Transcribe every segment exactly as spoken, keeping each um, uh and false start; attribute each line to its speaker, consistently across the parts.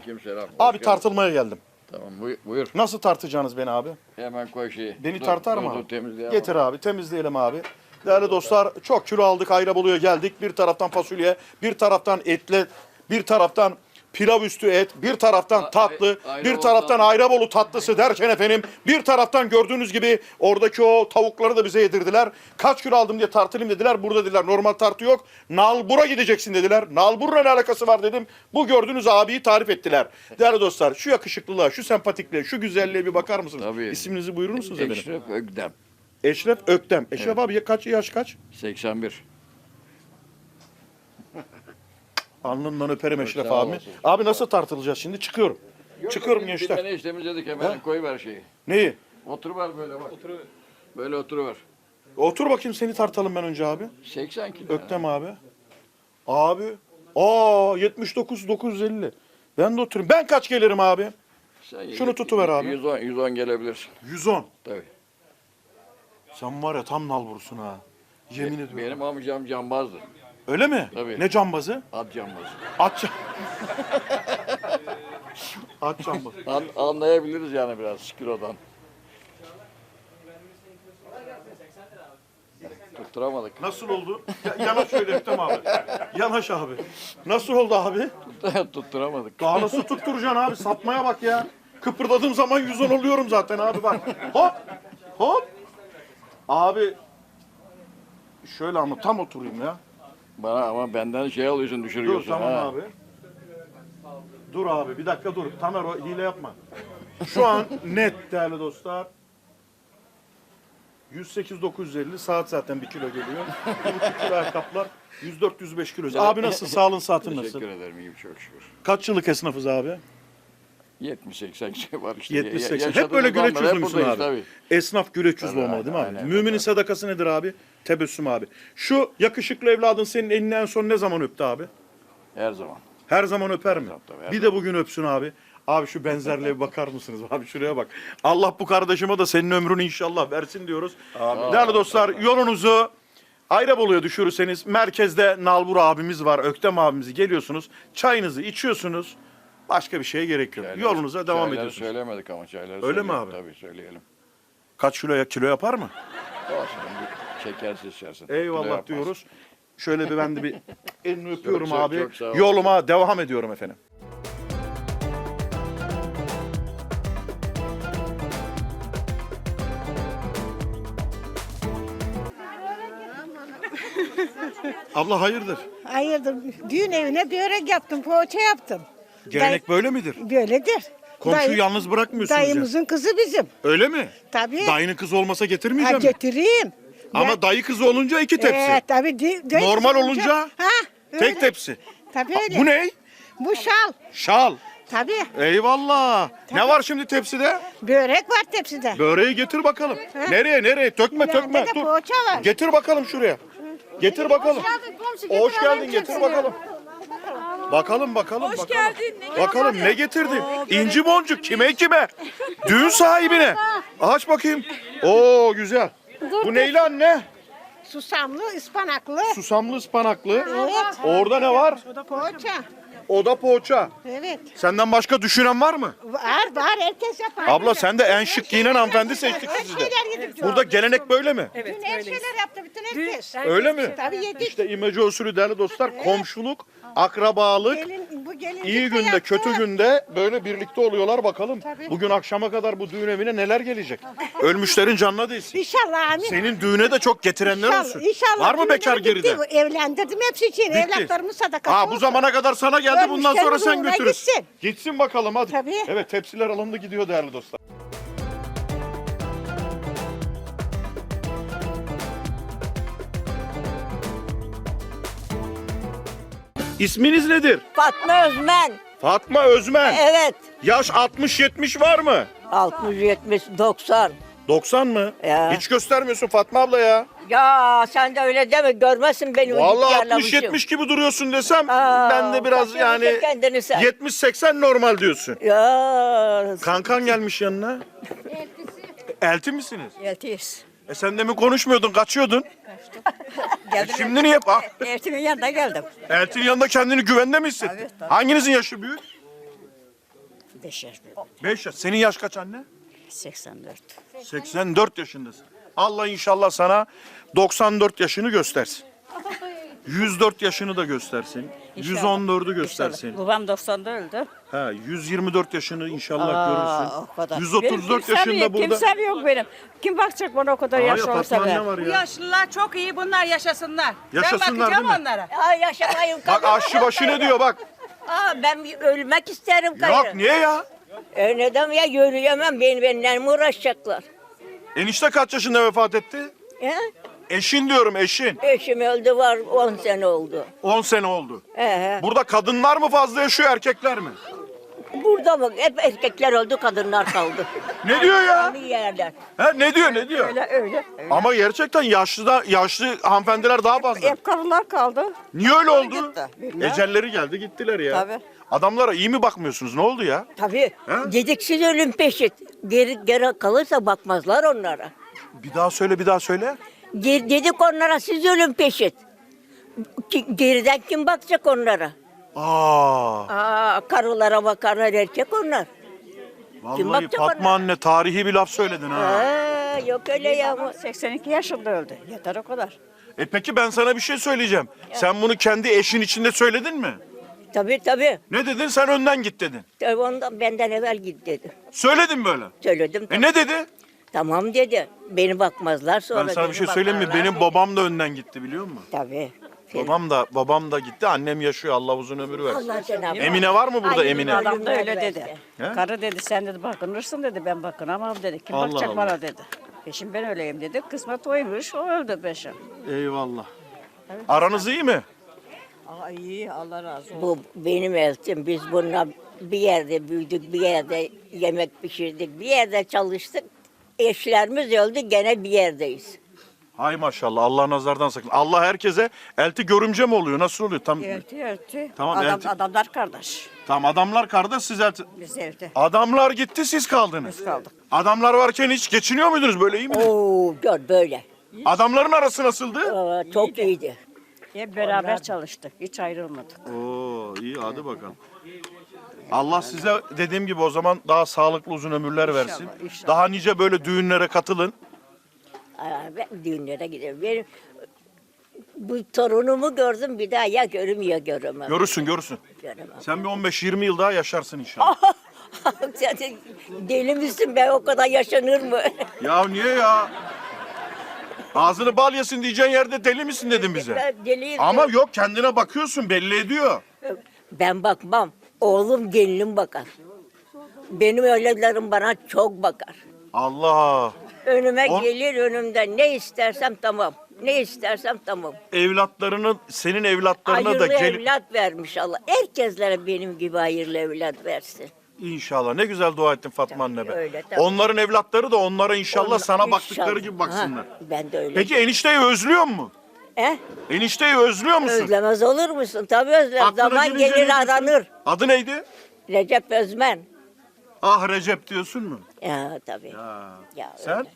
Speaker 1: Aleykümselam. Hoş
Speaker 2: Abi
Speaker 1: geldin.
Speaker 2: tartılmaya geldim.
Speaker 1: Tamam buyur. buyur.
Speaker 2: Nasıl tartacaksınız beni abi?
Speaker 1: Hemen koy şeyi.
Speaker 2: Beni
Speaker 1: Dur,
Speaker 2: tartar
Speaker 1: dur,
Speaker 2: mı
Speaker 1: dur,
Speaker 2: abi?
Speaker 1: temizleyelim.
Speaker 2: Getir abi, temizleyelim abi. Değerli dostlar, çok kilo aldık, Ayrabolu'ya geldik. Bir taraftan fasulye, bir taraftan etle, bir taraftan pilav üstü et, bir taraftan tatlı,
Speaker 1: Ay-
Speaker 2: bir
Speaker 1: Ayrabolu
Speaker 2: taraftan
Speaker 1: tatlısı.
Speaker 2: Ayrabolu tatlısı derken efendim, bir taraftan gördüğünüz gibi oradaki o tavukları da bize yedirdiler. Kaç kilo aldım diye tartılayım dediler. Burada dediler normal tartı yok. Nalbur'a gideceksin dediler. Nalbur'la ne alakası var dedim. Bu gördüğünüz abiyi tarif ettiler. Değerli dostlar, şu yakışıklılığa, şu sempatikliğe, şu güzelliğe bir bakar mısınız?
Speaker 1: Tabii.
Speaker 2: İsminizi buyurur musunuz efendim?
Speaker 1: Eşref Ökdem.
Speaker 2: Eşref Öktem. Eşref abi ya kaç yaş kaç?
Speaker 1: seksen bir.
Speaker 2: Alnından öperim Eşref
Speaker 1: sağ
Speaker 2: abi.
Speaker 1: olasın.
Speaker 2: Abi nasıl tartılacağız şimdi? Çıkıyorum. Çıkıyorum
Speaker 1: Bir
Speaker 2: gençler.
Speaker 1: tane işlemizdedik hemen koyuver şeyi.
Speaker 2: Neyi?
Speaker 1: Oturuver böyle bak. Böyle oturuver.
Speaker 2: Otur bakayım seni tartalım ben önce abi.
Speaker 1: seksen kilo.
Speaker 2: Öktem abi. Abi. Aa yetmiş dokuz dokuz yüz elli. Ben de oturayım. Ben kaç gelirim abi?
Speaker 1: Sen
Speaker 2: Şunu tutuver abi.
Speaker 1: yüz on, yüz on gelebilirsin.
Speaker 2: yüz on.
Speaker 1: Tabii.
Speaker 2: Sen var ya tam nalbursun ha. Yemin ediyorum.
Speaker 1: Benim amcam cambazdı.
Speaker 2: Öyle mi?
Speaker 1: Tabii.
Speaker 2: Ne cambazı?
Speaker 1: At cambazı.
Speaker 2: At cam- At cambazı.
Speaker 1: An, anlayabiliriz yani biraz kilodan. Tutturamadık.
Speaker 2: Nasıl oldu? Ya, yanaş şöyle Öktem abi. Yanaş abi. Nasıl oldu abi?
Speaker 1: Tutturamadık.
Speaker 2: Daha nasıl tutturacaksın abi? Sapmaya bak ya. Kıpırdadığım zaman yüz on oluyorum zaten abi bak. Hop. Hop. Abi. Şöyle ama tam oturayım ya.
Speaker 1: Bana ama benden şey alıyorsun,
Speaker 2: Dur
Speaker 1: düşürüyorsun.
Speaker 2: tamam
Speaker 1: ha.
Speaker 2: abi. Dur abi bir dakika dur. Tamer o hile yapma. Şu an net değerli dostlar. yüz sekiz dokuz yüz elli saat zaten bir kilo geliyor. Bir buçuk kilo ayakkabılar yüz dört yüz beş kilo. Abi nasıl? Sağlığın saatin nasıl?
Speaker 1: Teşekkür ederim, iyiyim çok şükür.
Speaker 2: Kaç yıllık esnafız abi?
Speaker 1: yetmiş seksen şey var işte.
Speaker 2: yetmiş
Speaker 1: Ya-
Speaker 2: seksen. Hep
Speaker 1: yaşadığımız
Speaker 2: böyle güleç
Speaker 1: anlar hep
Speaker 2: yüzlü müsün
Speaker 1: buradayız
Speaker 2: abi?
Speaker 1: tabii.
Speaker 2: Esnaf güleç yüzlü
Speaker 1: Tabii,
Speaker 2: olmalı değil mi abi?
Speaker 1: aynen,
Speaker 2: Müminin
Speaker 1: tabii.
Speaker 2: sadakası nedir abi? Tebessüm abi. Şu yakışıklı evladın senin elini en son ne zaman öptü abi?
Speaker 1: Her zaman.
Speaker 2: Her zaman öper mi?
Speaker 1: Tabii, tabii, her
Speaker 2: Bir de bugün öpsün abi. Abi şu benzerliğe bir bakar mısınız? Abi şuraya bak. Allah bu kardeşime de senin ömrünü inşallah versin diyoruz. Değerli dostlar yolunuzu Ayrabolu'ya düşürürseniz merkezde Nalbur abimiz var, Öktem abimizi geliyorsunuz. Çayınızı içiyorsunuz. Başka bir şeye gerek yok.
Speaker 1: Çayları-
Speaker 2: Yolunuza devam
Speaker 1: çayları
Speaker 2: ediyorsunuz.
Speaker 1: söylemedik ama çayları
Speaker 2: Öyle mi
Speaker 1: söyleyelim.
Speaker 2: abi?
Speaker 1: Tabii söyleyelim.
Speaker 2: Kaç kiloya kilo yapar mı?
Speaker 1: Olsun bir şekersiz içersin. Kilo
Speaker 2: Eyvallah
Speaker 1: yapmaz.
Speaker 2: diyoruz. Şöyle bir ben de bir elini öpüyorum
Speaker 1: çok-
Speaker 2: abi.
Speaker 1: çok sağ ol.
Speaker 2: Yoluma devam ediyorum efendim. Abla hayırdır?
Speaker 3: Hayırdır? Düğün evine börek yaptım, poğaça yaptım.
Speaker 2: Gelenek böyle midir?
Speaker 3: Böyledir.
Speaker 2: Komşuyu
Speaker 3: Dayı-
Speaker 2: yalnız bırakmıyorsunuz ya.
Speaker 3: Dayımızın kızı bizim.
Speaker 2: Öyle mi?
Speaker 3: Tabii.
Speaker 2: Dayının kızı olmasa
Speaker 3: Ha,
Speaker 2: getirmeyeceğim.
Speaker 3: getireyim.
Speaker 2: Ama
Speaker 3: Ya-
Speaker 2: dayı kızı olunca iki tepsi.
Speaker 3: Evet, tabii. di- dayı
Speaker 2: Normal
Speaker 3: kızı
Speaker 2: olunca
Speaker 3: Ha, öyle.
Speaker 2: tek tepsi.
Speaker 3: Tabii
Speaker 2: Ha,
Speaker 3: öyle.
Speaker 2: bu ne?
Speaker 3: Bu şal.
Speaker 2: Şal.
Speaker 3: Tabii.
Speaker 2: Eyvallah. Ne var şimdi tepside?
Speaker 3: Börek var tepside.
Speaker 2: Böreği getir bakalım. Nereye nereye? Tökme
Speaker 3: İleride
Speaker 2: tökme.
Speaker 3: de
Speaker 2: Dur.
Speaker 3: poğaça var.
Speaker 2: Getir bakalım şuraya. Getir bakalım.
Speaker 3: komşu,
Speaker 2: Hoş
Speaker 3: getir
Speaker 2: geldin
Speaker 3: alayım
Speaker 2: getir
Speaker 3: tepsini.
Speaker 2: bakalım. Bakalım bakalım.
Speaker 4: Hoş
Speaker 2: bakalım.
Speaker 4: geldin. Ne
Speaker 2: Bakalım ne getirdin? İnci boncuk kime kime? Düğün sahibine. Aç bakayım. Oo güzel. Bu neyli anne?
Speaker 3: Susamlı, ıspanaklı.
Speaker 2: Susamlı ıspanaklı.
Speaker 3: Evet.
Speaker 2: Orada ne var?
Speaker 3: Poğaça.
Speaker 2: O da poğaça.
Speaker 3: Evet.
Speaker 2: Senden başka düşünen var mı?
Speaker 3: Var var, herkes yapar.
Speaker 2: Abla sen de en şık giyinen hanımefendi seçtik
Speaker 3: Her
Speaker 2: sizi de.
Speaker 3: şeyler yedik.
Speaker 2: Burada gelenek böyle mi?
Speaker 4: Evet,
Speaker 3: Bütün her
Speaker 4: öyleyiz.
Speaker 3: şeyler yaptı bütün herkes.
Speaker 2: Öyle mi?
Speaker 3: Tabii yedik.
Speaker 2: İşte imece usulü değerli dostlar. Komşuluk, akrabalık,
Speaker 3: Gelin, bu gelincik
Speaker 2: iyi
Speaker 3: de
Speaker 2: günde
Speaker 3: yaptı.
Speaker 2: kötü günde böyle birlikte oluyorlar bakalım.
Speaker 3: Tabii.
Speaker 2: Bugün akşama kadar bu düğün evine neler gelecek? Ölmüşlerin canına değsin.
Speaker 3: İnşallah amin.
Speaker 2: Senin düğüne de çok getirenler
Speaker 3: İnşallah,
Speaker 2: olsun.
Speaker 3: inşallah.
Speaker 2: Var mı
Speaker 3: Düğünler
Speaker 2: bekar
Speaker 3: bitti.
Speaker 2: geride?
Speaker 3: Evlendirdim hepsi için.
Speaker 2: Bitti.
Speaker 3: Evlatlarımın sadakası
Speaker 2: Ha bu
Speaker 3: olsun.
Speaker 2: zamana kadar sana geldi bundan sonra
Speaker 3: Ölmüşlerin
Speaker 2: sen
Speaker 3: ruhuna
Speaker 2: götürürsün.
Speaker 3: gitsin.
Speaker 2: Gitsin bakalım hadi.
Speaker 3: Tabii.
Speaker 2: Evet tepsiler alındı gidiyor değerli dostlar. İsminiz nedir?
Speaker 5: Fatma Özmen.
Speaker 2: Fatma Özmen.
Speaker 5: Evet.
Speaker 2: Yaş altmış yetmiş var mı?
Speaker 5: altmış, yetmiş, doksan.
Speaker 2: doksan mı?
Speaker 5: Ya.
Speaker 2: Hiç göstermiyorsun Fatma abla ya.
Speaker 5: Ya sen de öyle deme. Görmezsin beni.
Speaker 2: Vallahi
Speaker 5: yarlamışım.
Speaker 2: altmış yetmiş gibi duruyorsun desem
Speaker 5: Aa,
Speaker 2: ben de biraz
Speaker 5: bakıyorsun
Speaker 2: yani
Speaker 5: kendini sen.
Speaker 2: yetmiş seksen normal diyorsun.
Speaker 5: Ya.
Speaker 2: Kankan gelmiş yanına. Elti misiniz?
Speaker 5: Yetiş.
Speaker 2: E sen demin konuşmuyordun, kaçıyordun. E
Speaker 5: Geldim.
Speaker 2: şimdi niye? Ah,
Speaker 5: Eltimin yanına geldim.
Speaker 2: Eltinin yanında kendini güvende mi hissettin?
Speaker 5: Tabii, tabii.
Speaker 2: Hanginizin yaşı büyük?
Speaker 4: Beş yaş büyük.
Speaker 2: beş yaş. Senin yaş kaç anne?
Speaker 4: seksen dört.
Speaker 2: seksen dört yaşındasın. Allah inşallah sana doksan dört yaşını göstersin. yüz dört yaşını da göstersin. yüz on dördü göstersin.
Speaker 4: Babam doksan'da öldü.
Speaker 2: Ha, yüz yirmi dört yaşını inşallah
Speaker 4: Aa,
Speaker 2: görürsün.
Speaker 4: o kadar.
Speaker 2: yüz otuz dört
Speaker 4: Benim kimsem
Speaker 2: yaşında
Speaker 4: yok,
Speaker 2: burada.
Speaker 4: Kimsem yok benim. Kim bakacak bana o kadar
Speaker 2: Aa,
Speaker 4: yaş
Speaker 2: ya
Speaker 4: olsa
Speaker 2: Fatma
Speaker 4: be?
Speaker 2: anne var
Speaker 6: Bu
Speaker 2: ya.
Speaker 6: yaşlılar çok iyi, bunlar yaşasınlar.
Speaker 2: Yaşasınlar
Speaker 6: ben bakacağım
Speaker 2: değil mi?
Speaker 6: onlara.
Speaker 5: Ya yaşamayın.
Speaker 2: Bak aşçı başı ne diyor bak.
Speaker 5: Aa, ben bir ölmek isterim gayrı.
Speaker 2: Yok niye ya?
Speaker 5: E neden ya yürüyemem, beni benimle mi uğraşacaklar?
Speaker 2: Enişte kaç yaşında vefat etti?
Speaker 5: He?
Speaker 2: Eşin diyorum eşin.
Speaker 5: Eşim öldü var on sene oldu.
Speaker 2: on sene oldu.
Speaker 5: He.
Speaker 2: Burada kadınlar mı fazla yaşıyor erkekler mi?
Speaker 5: Burada mı? Hep erkekler öldü, kadınlar kaldı.
Speaker 2: Ne diyor ya?
Speaker 5: Aynı yerler.
Speaker 2: Ha, ne diyor ne diyor?
Speaker 4: Öyle öyle.
Speaker 2: Ama gerçekten yaşlı da yaşlı hanımefendiler daha fazla.
Speaker 4: Hep karılar kaldı.
Speaker 2: Niye öyle oldu?
Speaker 4: gitti, bilmem.
Speaker 2: Ecelleri geldi gittiler ya.
Speaker 4: Tabii.
Speaker 2: Adamlara iyi mi bakmıyorsunuz? Ne oldu ya?
Speaker 5: Tabii.
Speaker 2: He?
Speaker 5: Dediksiz ölüm peşit. Geri, geri kalırsa bakmazlar onlara.
Speaker 2: Bir daha söyle bir daha söyle.
Speaker 5: Geri, dedik onlara siz ölüm peşit. Ki- Geriden kim bakacak onlara?
Speaker 2: Aa,
Speaker 5: Aa, karılara bakarlar, erkek onlar. Kim
Speaker 2: vallahi
Speaker 5: bakacak
Speaker 2: Fatma
Speaker 5: ona?
Speaker 2: anne tarihi bir laf söyledin ha.
Speaker 5: Aa, yok öyle ya.
Speaker 4: seksen iki yaşında öldü. Yeter o kadar.
Speaker 2: E peki ben sana bir şey söyleyeceğim. Sen bunu kendi eşin içinde söyledin mi?
Speaker 5: Tabii tabii.
Speaker 2: Ne dedin? Sen önden git dedin.
Speaker 5: Tabii ondan benden evvel git dedi.
Speaker 2: Söyledin böyle.
Speaker 5: Söyledim.
Speaker 2: E ne dedi?
Speaker 5: Tamam dedi. Beni bakmazlar sonra.
Speaker 2: Ben sana bir
Speaker 5: beni
Speaker 2: şey söyleyeyim mi?
Speaker 5: bakarlar
Speaker 2: Benim
Speaker 5: dedi.
Speaker 2: babam da önden gitti biliyor musun?
Speaker 5: Tabii.
Speaker 2: Babam da babam da gitti. Annem yaşıyor. Allah uzun ömür versin.
Speaker 5: Allah Cenab-ı Hak.
Speaker 2: Emine var mı burada
Speaker 5: Ay,
Speaker 2: Emine?
Speaker 5: Allah-
Speaker 4: Adam da öyle
Speaker 5: versin.
Speaker 4: dedi.
Speaker 2: He?
Speaker 4: Karı dedi sen dedi bakınırsın dedi ben bakınamam dedi. Kim
Speaker 2: Allah
Speaker 4: bakacak
Speaker 2: Allah.
Speaker 4: bana dedi. Peşim ben öyleyim dedi. Kısmet oymuş o öldü peşim.
Speaker 2: Eyvallah. Aranız iyi mi?
Speaker 4: Aa iyi Allah razı olsun.
Speaker 5: Bu benim eltim. Biz bununla bir yerde büyüdük, bir yerde yemek pişirdik, bir yerde çalıştık. Eşlerimiz öldü, gene bir yerdeyiz.
Speaker 2: Hay maşallah. Allah nazardan sakın. Allah herkese elti görümce mi oluyor? Nasıl oluyor? Tam
Speaker 4: Elti elti.
Speaker 2: Tamam,
Speaker 4: Adam,
Speaker 2: elti.
Speaker 4: Adamlar kardeş.
Speaker 2: tam adamlar kardeş siz elti.
Speaker 4: Biz evde.
Speaker 2: Adamlar gitti siz kaldınız.
Speaker 4: Biz kaldık.
Speaker 2: Adamlar varken hiç geçiniyor muydunuz böyle iyi mi?
Speaker 5: Oo, gör böyle.
Speaker 2: Adamların arası nasıldı?
Speaker 5: Aa, çok iyiydi.
Speaker 4: Hep beraber çalıştık. Hiç ayrılmadık.
Speaker 2: Oo iyi hadi bakalım. Allah size dediğim gibi o zaman daha sağlıklı uzun ömürler versin.
Speaker 4: inşallah.
Speaker 2: Daha nice böyle düğünlere katılın.
Speaker 5: Aa, ben düğünlere gidiyorum. Benim bu torunumu gördüm bir daha ya görüm ya göremem.
Speaker 2: Görürsün görürsün.
Speaker 5: Göremem.
Speaker 2: Sen bir on beş yirmi yıl daha yaşarsın inşallah.
Speaker 5: Sen de deli misin be, o kadar yaşanır mı?
Speaker 2: Ya niye ya? Ağzını bal yesin diyeceğin yerde deli misin dedin bize.
Speaker 5: Ben deliyim.
Speaker 2: Ama yok kendine bakıyorsun belli ediyor.
Speaker 5: Ben bakmam. Oğlum gelinim bakar. Benim öylelerim bana çok bakar.
Speaker 2: Allah.
Speaker 5: Önüme
Speaker 2: On-
Speaker 5: gelir, önümden ne istersem tamam. Ne istersem tamam.
Speaker 2: Evlatlarını senin evlatlarına
Speaker 5: Hayırlı
Speaker 2: da gel
Speaker 5: evlat vermiş Allah. Herkeslere benim gibi hayırlı evlat versin.
Speaker 2: İnşallah. Ne güzel dua ettin Fatma anne be.
Speaker 5: öyle, tabii.
Speaker 2: Onların evlatları da onlara inşallah
Speaker 5: Onlar-
Speaker 2: sana baktıkları
Speaker 5: İnşallah.
Speaker 2: gibi baksınlar.
Speaker 5: Ha, ben de öyle.
Speaker 2: Peki enişteyi özlüyor mu?
Speaker 5: He?
Speaker 2: Enişteyi özlüyor musun?
Speaker 5: Özlemez olur musun? Tabii özlem.
Speaker 2: Aklına
Speaker 5: Zaman
Speaker 2: gelince ne
Speaker 5: gelir
Speaker 2: diyorsun?
Speaker 5: aranır.
Speaker 2: Adı neydi?
Speaker 5: Recep Özmen.
Speaker 2: Ah Recep diyorsun mu?
Speaker 5: Ya tabii.
Speaker 2: Ha.
Speaker 5: Ya,
Speaker 2: Sen?
Speaker 5: öyle.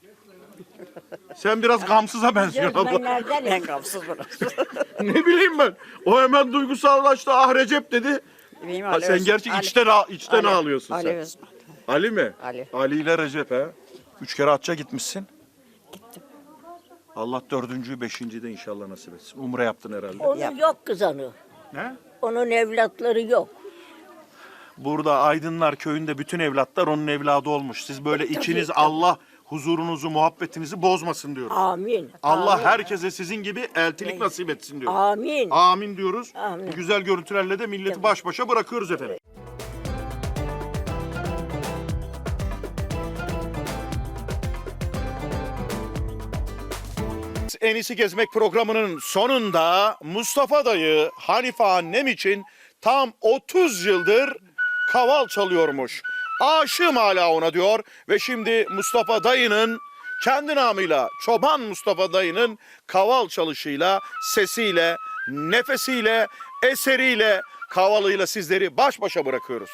Speaker 2: Sen biraz gamsıza benziyorsun
Speaker 5: Özmen
Speaker 2: abla.
Speaker 5: nereden?
Speaker 4: En gamsız burası.
Speaker 2: Ne bileyim ben. O hemen duygusallaştı. Ah Recep dedi.
Speaker 4: Benim
Speaker 2: Ha,
Speaker 4: Ali
Speaker 2: sen
Speaker 4: Öz-
Speaker 2: gerçi
Speaker 4: Ali-
Speaker 2: içten, ağ- içten
Speaker 4: Ali-
Speaker 2: ağlıyorsun
Speaker 4: Ali
Speaker 2: sen.
Speaker 4: Özmen.
Speaker 2: Ali mi?
Speaker 4: Ali.
Speaker 2: Ali ile Recep ha. Üç kere hacca gitmişsin. Gittim. Allah dördüncüyü, beşinciyi de inşallah nasip etsin. Umre yaptın herhalde.
Speaker 5: Onun yok kız onu.
Speaker 2: Ne?
Speaker 5: Onun evlatları yok.
Speaker 2: Burada Aydınlar köyünde bütün evlatlar onun evladı olmuş. Siz böyle içiniz Allah huzurunuzu, muhabbetinizi bozmasın diyoruz.
Speaker 5: Amin.
Speaker 2: Allah
Speaker 5: Amin.
Speaker 2: herkese sizin gibi eltilik nasip etsin diyoruz.
Speaker 5: Amin.
Speaker 2: Amin diyoruz.
Speaker 5: Amin.
Speaker 2: Bu güzel görüntülerle de milleti baş başa bırakıyoruz efendim. En iyisi gezmek programının sonunda Mustafa dayı Hanife annem için tam otuz yıldır kaval çalıyormuş. Aşığım hala ona diyor ve şimdi Mustafa dayının kendi namıyla Çoban Mustafa dayının kaval çalışıyla, sesiyle, nefesiyle, eseriyle, kavalıyla sizleri baş başa bırakıyoruz.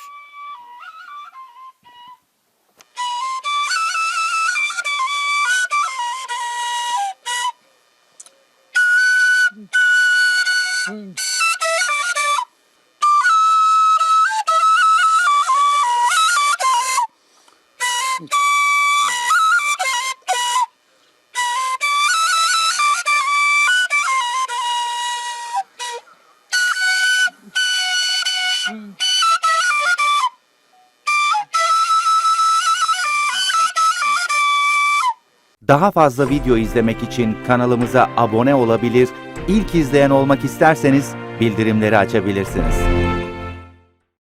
Speaker 7: Daha fazla video izlemek için kanalımıza abone olabilir, ilk izleyen olmak isterseniz bildirimleri açabilirsiniz.